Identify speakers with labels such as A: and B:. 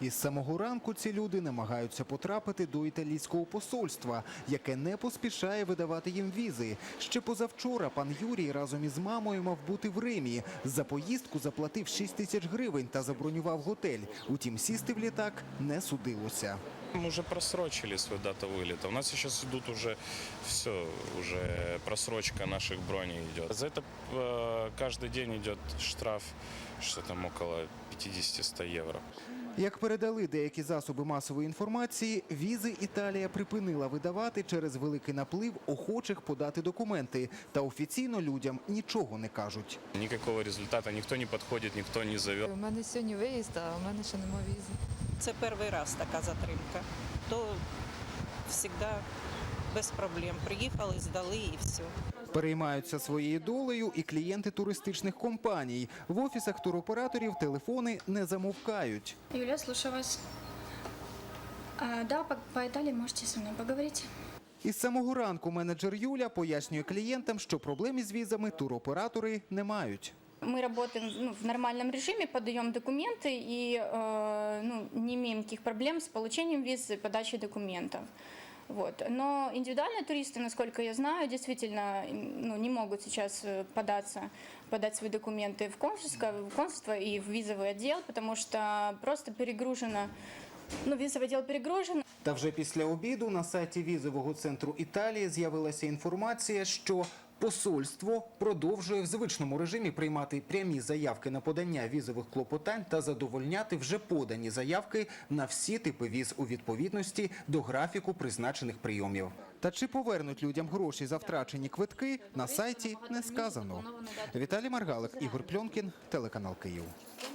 A: Із самого ранку ці люди намагаються потрапити до італійського посольства, яке не поспішає видавати їм візи. Ще позавчора пан Юрій разом із мамою мав бути в Римі. За поїздку заплатив 6 тисяч гривень та забронював готель. Утім, сісти в літак не судилося.
B: Мы уже просрочили свою дату вылета. У нас сейчас идут уже все, уже просрочка наших броней идет. За это каждый день идет штраф, что там около 50-100 евро.
A: Як передали деякі засоби масової інформації, візи Італія припинила видавати через великий наплив охочих подати документи. Та офіційно людям нічого не кажуть.
B: Никакого результата, никто не подходит, никто не зовет.
C: У мене сьогодні виїзд, а у мене ще немає візи.
D: Це перший раз така затримка. То завжди без проблем. Приїхали, здали і все.
A: Переймаються своєю долею і клієнти туристичних компаній. В офісах туроператорів телефони не замовкають.
E: Юля, слушаю вас. Да, по Италии можете со мной поговорить.
A: Із самого ранку менеджер Юля пояснює клієнтам, що проблем із візами туроператори не мають.
E: Мы работаем в нормальном режиме, подаем документы и не имеем никаких проблем с получением виз и подачей документов. Вот. Но индивидуальные туристы, насколько я знаю, действительно не могут сейчас подать свои документы в консульство и в визовый отдел, потому что просто перегружено, визовый отдел перегружен.
A: Та вже після обіду на сайті візового центру Італії з'явилася інформація, що посольство продовжує в звичному режимі приймати прямі заявки на подання візових клопотань та задовольняти вже подані заявки на всі типи віз у відповідності до графіку призначених прийомів. Та чи повернуть людям гроші за втрачені квитки, на сайті не сказано. Віталій Маргалик, Ігор Пльонкін, телеканал Київ.